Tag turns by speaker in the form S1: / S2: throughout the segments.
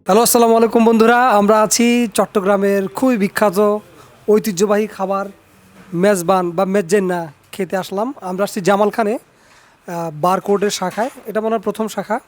S1: Hello, আসসালামু আলাইকুম বন্ধুরা। আমরা আছি চট্টগ্রামের খুবই বিখ্যাত ঐতিহ্যবাহী খাবার মেজবান বা মেজ্জেন্না খেতে আসলাম। আমরা আসছি জামালখানে বারকোডের শাখায়। এটা মনে হয় প্রথম শাখা।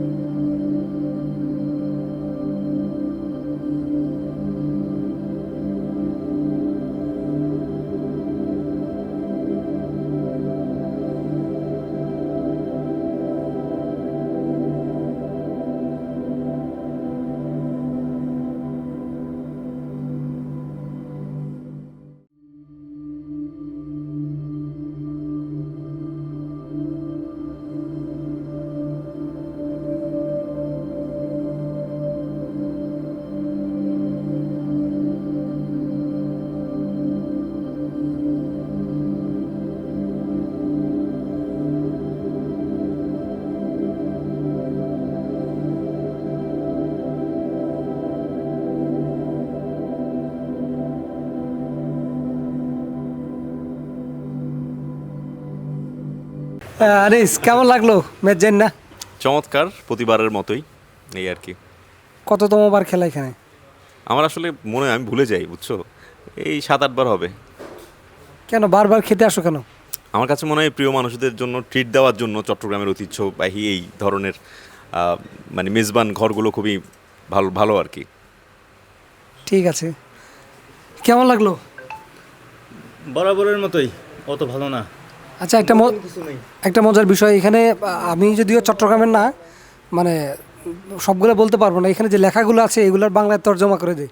S1: আনিস, কেমন লাগলো মেজ্জেন্না?
S2: চমৎকার, প্রতিবারের মতোই এই আর কি।
S1: কততমবার খেলা এখানে?
S2: আমার আসলে মনে হয় আমি ভুলে যাই, বুঝছো, এই 7-8 বার হবে।
S1: কেন বারবার খেতে আসো কেন?
S2: আমার কাছে মনে হয় প্রিয় মানুষদের জন্য ট্রিট দেওয়ার জন্য চট্টগ্রামের ঐতিহ্যবাহী এই ধরনের মানে মেজবান ঘরগুলো খুবই ভালো ভালো আর কি।
S1: ঠিক আছে, কেমন লাগলো?
S3: বরাবরের মতোই, অত ভালো না।
S1: আচ্ছা, একটা মজার বিষয় এখানে, আমি যদিও চট্টগ্রামের না, মানে সবগুলো বলতে পারবো না। এখানে যে লেখাগুলো আছে এগুলোর বাংলায় তর্জমা করে দেয়।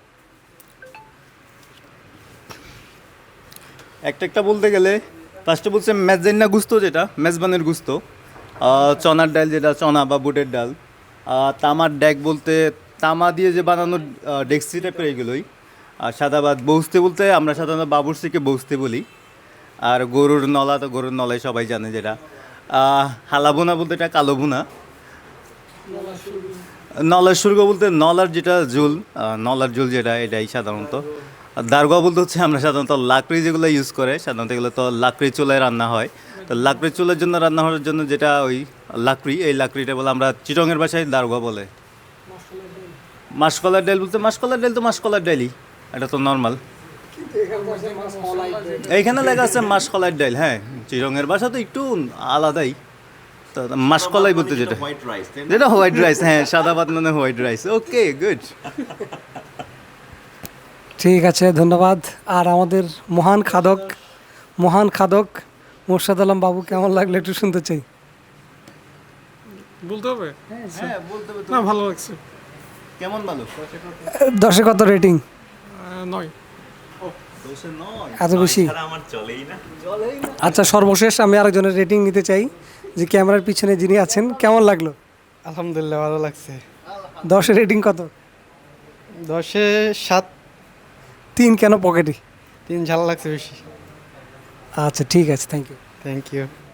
S3: একটা বলতে গেলে ফার্স্টে বলছে মেজেন্না গুস্তো, যেটা মেজবানের গুস্তো, চনার ডাল, যেটা চনা বা বুটের ডাল, তামার ড্যাক বলতে তামা দিয়ে যে বানানো ডেক্সি টাইপের এইগুলোই। আর সাদাবাদ বৌস্তে বলতে আমরা সাধারণত বাবুরসিকে বৌস্তে বলি। আর গরুর নলা তো গরুর নলাই সবাই জানে, যেটা হালাবোনা বলতে এটা কালো ভুনা। নলার সুর্গ বলতে নলার যেটা ঝোল, নলার ঝোল যেটা, এটাই সাধারণত। আর দারগা বলতে হচ্ছে আমরা সাধারণত লাকড়ি যেগুলো ইউজ করে, সাধারণত এগুলো তো লাকড়ি চুলায় রান্না হয়। তো লাকড়ি চুলার জন্য রান্না হওয়ার জন্য যেটা ওই লাকড়ি, এই লাকড়িটা বলে আমরা চিটংয়ের ভাষায় দারগা বলে। মাসকলার ডাল বলতে মাসকলার ডাল তো মাসকলার ডালই, এটা তো নর্মাল। এইখানে লেখা আছে মাসকলার ডাল, হ্যাঁ। চিটংয়ের ভাষা তো একটু আলাদাই। তো মাসকলাই বলতে যেটা যেটা হোয়াইট রাইস, হ্যাঁ, সাদা ভাত মানে হোয়াইট রাইস। ওকে, গুড।
S1: ঠিক আছে, ধন্যবাদ। আর আমাদের মহান খাদক মোর্শেদ আলম বাবু, কেমন লাগলো একটু শুনতে চাই।
S4: বলতে হবে?
S3: হ্যাঁ, বলতে হবে তো।
S4: না, ভালো লাগছে।
S3: কেমন ভালো?
S1: 10-এ কত রেটিং?
S4: 9।
S1: এত বেশি?
S2: আমার চলেই না।
S1: আচ্ছা, সর্বশেষ আমি আরেকজনের রেটিং নিতে চাই, যে ক্যামেরার পিছনে যিনি আছেন। কেমন লাগলো?
S5: আলহামদুলিল্লাহ, ভালো লাগছে।
S1: 10-এ রেটিং কত?
S5: 10-এ 7।
S1: 3 কেন পকেটে?
S5: 3 ঝাল লাগছে বেশি।
S1: আচ্ছা, ঠিক আছে, থ্যাংক ইউ।
S5: Thank you.